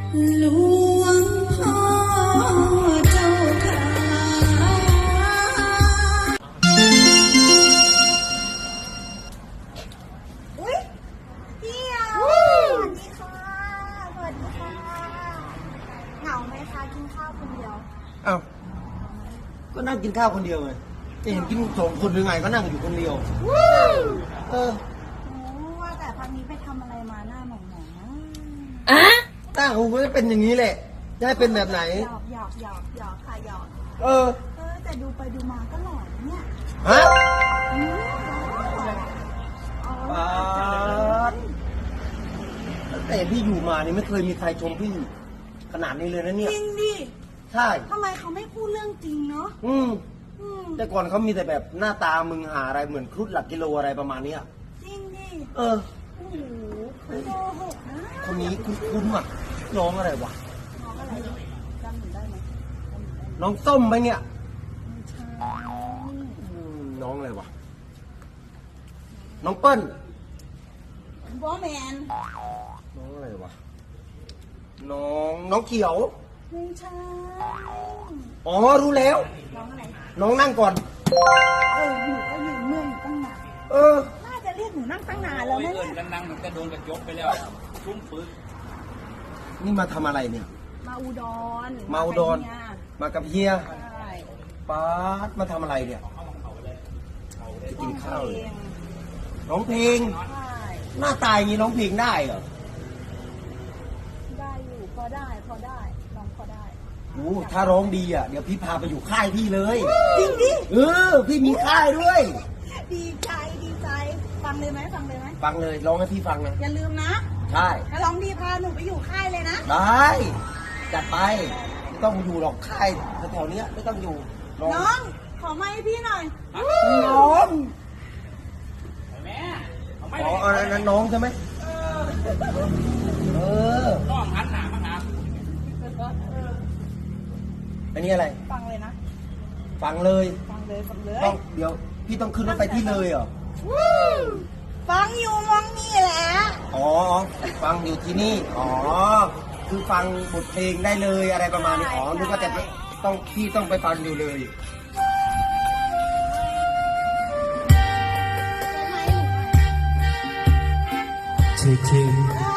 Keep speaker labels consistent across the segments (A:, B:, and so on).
A: หลวงพ่อเจ้าค่ะอุ๊ยพี่อ่ะสวัสดีค่ะสวัสดีค่ะเหงาไหมคะกินข้าวคนเดียว
B: อ้าวก็นั่งกินข้าวคนเดียวไงจะเห็นกินสองคนหรือไงก็นั่งอยู่คนเดียว
A: ว่าแต่พักนี้ไปทำอะไรมาหน้าหมองๆนะ
B: ตั้งหูก็จะเป็นอย่างนี้แหละจะให้เป็นแบบไหน
A: หยอกค่ะหยอกแต่ดูไปดูมาก็หล่อเนี่ย
B: ฮะแต่พี่อยู่มานี่ไม่เคยมีใครชมพี่ขนาดนี้เลยนะเนี่ย
A: จริงดิ
B: ใช่
A: ทำไมเขาไม่พูดเรื่องจริงเนาะ
B: แต่ก่อนเขามีแต่แบบหน้าตามึงหาอะไรเหมือนครุฑหลักกิโลอะไรประมาณนี้
A: จริงดิ
B: โอ้
A: โหโกหกนะ
B: คนนี้คุ้นๆอ่ะน้องอะไรวะ
A: น้องอะไรจำหนูได้ไหม
B: น้องส้มไหมเนี่ยน้องอะไรวะน้องเปิ้ล
A: บอแมน
B: น้องอะไรวะน้องเขียว
A: ไม่ใช่
B: อ๋อรู้แล้ว
A: น้องอะไร
B: น้องนั่งก่อน
A: หนูก็ยืนเมื่อยอยู่ตั้งนานน่าจะเรียกหนูนั่งตั้งนานแล้วนะเนี่ย
C: กันนั่งมันก็โดนกระจกไปแล้วชุ่มปื้น
B: นี่มาทำอะไรเนี่ย
A: มาอุดร
B: มากับเฮีย
A: ใช่
B: ป๊าดมาทำอะไรเนี่ยจะกินข้าวเลยร้องเพลงหน้าตายอย่างนี้ร้องเพลงได้เหรอ
A: ได้อยู่พอได้ร้องพอได้
B: ถ้าร้องดีอ่ะเดี๋ยวพี่พาไปอยู่ค่ายพี่เลย
A: จริงดิ
B: พี่มีค่ายด้วย
A: ดีใจฟังเลยไหม
B: ฟังเลยร้องให้พี่ฟังนะ
A: อย่าลืมนะ
B: ใช่
A: ถ้าร้องดีพาหนูไปอยู่ค่ายเลยนะ
B: ได้จัดไปไม่ต้องอยู่หรอกค่ายแถวๆนี้ไม่ต้องอยู่
A: น้องขอไมค์ให้พี่หน่อย
B: น้องอันนั้นน้องใช่ไหม
C: น้องหันหน้ามาหา
B: อันนี้อะไร
A: ฟังเลยนะ
B: ฟังเลย
A: ต้อง
B: เดี๋ยวพี่ต้องขึ้นรถไปที่เลยเหรอ
A: ฟังอยู่มองนี่แหละ
B: ฟังอยู่ที่นี่คือฟังบทเพลงได้เลยอะไรประมาณนี้นึกว่าแต่พี่ต้องไปฟังอยู่เลยจริง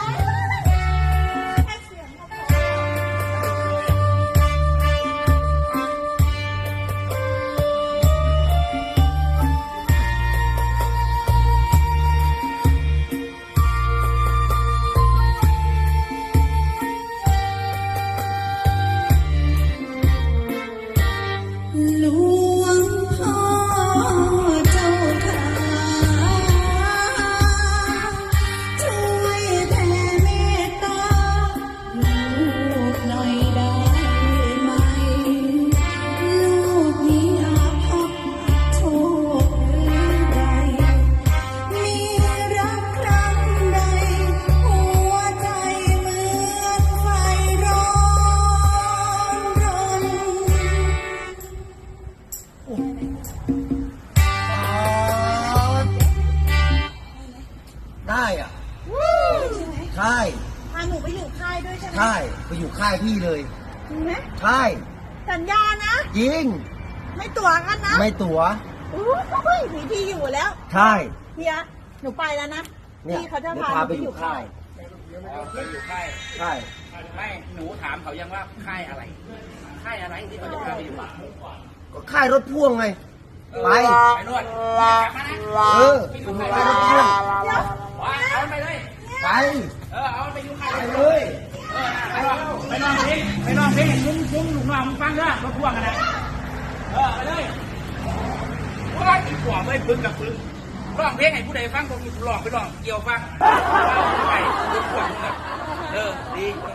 A: หลวงพ่อเจ้าค่ะช่วยแผ่เมตตาลูกหน่อยได้ไหมลูกนี้อาภัพโชคหรือใดมีรักครั้งใดหัวใจเหมือนไฟร้อนรน
B: ได้อ่ะใช่
A: พาหนูไปอยู่ค่ายด้วยใช่ไหม
B: ใช่ไปอยู่ค่ายพี่เลย
A: จริงไหม
B: ใช่
A: สัญญานะ
B: ยิง
A: ไม่ตั๋วกันนะ
B: ไม่ตั๋ว
A: มีที่อยู่แล้ว
B: ใช่
A: เฮียหนูไปแล้วนะพี่เขาจะพา
B: ไปอยู่ค่าย
C: ไปอยู่ค่าย
B: ใช่
C: ไม่หนูถามเขายังว่าค่ายอะไรที่เขาจะพาไปอยู่
B: ก็ค่ายรถพ่วงไงไป
C: นวด
B: ไปรถพ่วง
C: เอาไปเลย
B: ไป
C: เอาไปอยู่ค่าย
B: เลย
C: ไปนอนเพลงซุ้มลูกน้องมึงฟังด้วยรถพ่วงกันนะไปเลยว่าอีกขวบไม่พึ่งกับพึ่งร้องเพลงให้ผู้ใดฟังผมร้องไปร้องเกี่ยวฟังไปรถพ่วงดี